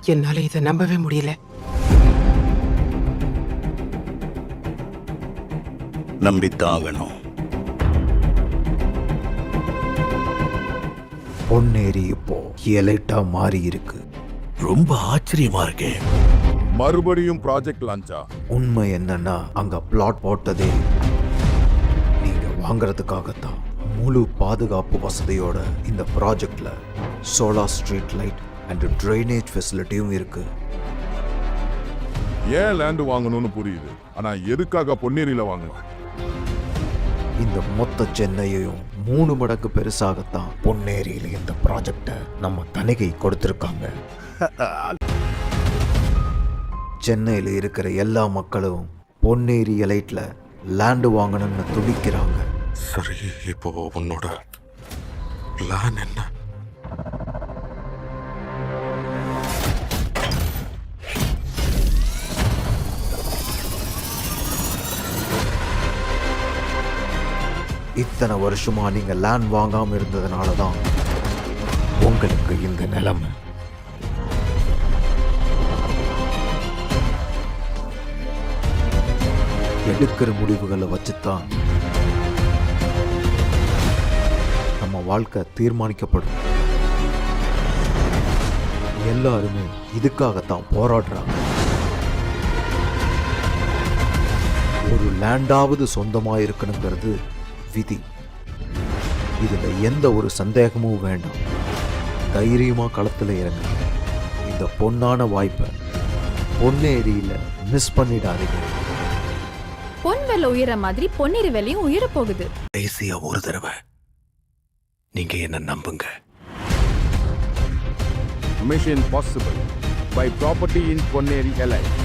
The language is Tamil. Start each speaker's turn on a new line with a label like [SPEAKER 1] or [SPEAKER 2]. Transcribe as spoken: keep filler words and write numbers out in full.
[SPEAKER 1] என்னால இதை நம்பவே முடியல.
[SPEAKER 2] நம்பித்தாகணும்.
[SPEAKER 3] பொன்னேரி இப்போ எலைட்டா மாறி இருக்கு.
[SPEAKER 2] ரொம்ப ஆச்சரியமா இருக்கே.
[SPEAKER 4] மறுபடியும் ப்ராஜெக்ட் லான்ச்சா?
[SPEAKER 3] உண்மை என்னன்னா அங்க பிளாட் போட்டதே நீங்க வாங்குறதுக்காகத்தான். முழு பாதுகாப்பு வசதியோட இந்த ப்ராஜெக்ட்ல solar street light and drainage ஃபெசிலிட்டியும் இருக்கு.
[SPEAKER 4] ஏன் லேண்டு வாங்கணும்னு புரியுது, ஆனா எதுக்காக பொன்னேரியில வாங்கணும்?
[SPEAKER 3] இந்த மொத்த சென்னையையும் மூணு மடங்கு பெருசாகத்தான் பொன்னேரியில இந்த ப்ராஜெக்டை நம்ம தணிகை கொடுத்திருக்காங்க. சென்னையில் இருக்கிற எல்லா மக்களும் பொன்னேரி எலைட்ல லேண்டு வாங்கணும்னு துடிக்கிறாங்க.
[SPEAKER 5] சரி, இப்போ உன்னோட பிளான் என்ன?
[SPEAKER 3] இத்தனை வருஷமா நீங்க லேண்ட் வாங்காம இருந்ததுனால தான் உங்களுக்கு இந்த நிலைமை. எடுக்கிற முடிவுகளை வச்சுதான் நம்ம வாழ்க்கை தீர்மானிக்கப்படும். எல்லாருமே இதுக்காகத்தான் போராடுறாங்க. ஒரு லேண்டாவது சொந்தமா இருக்கணுங்கிறது விதி. இதுல எந்த ஒரு சந்தேகமும் வேண்டாம். தைரியமா களத்துல இறங்க. இந்த பொன்னான வாய்ப்பை பொன்னேரியில மிஸ் பண்ணிடாதீங்க.
[SPEAKER 6] பொன் விலை உயர மாதிரி பொன்னேரி விலையும் உயர போகுது.
[SPEAKER 2] கடைசியா ஒரு தடவை நீங்க என்ன நம்புங்க.
[SPEAKER 4] Mission possible by property in Ponneri எலை.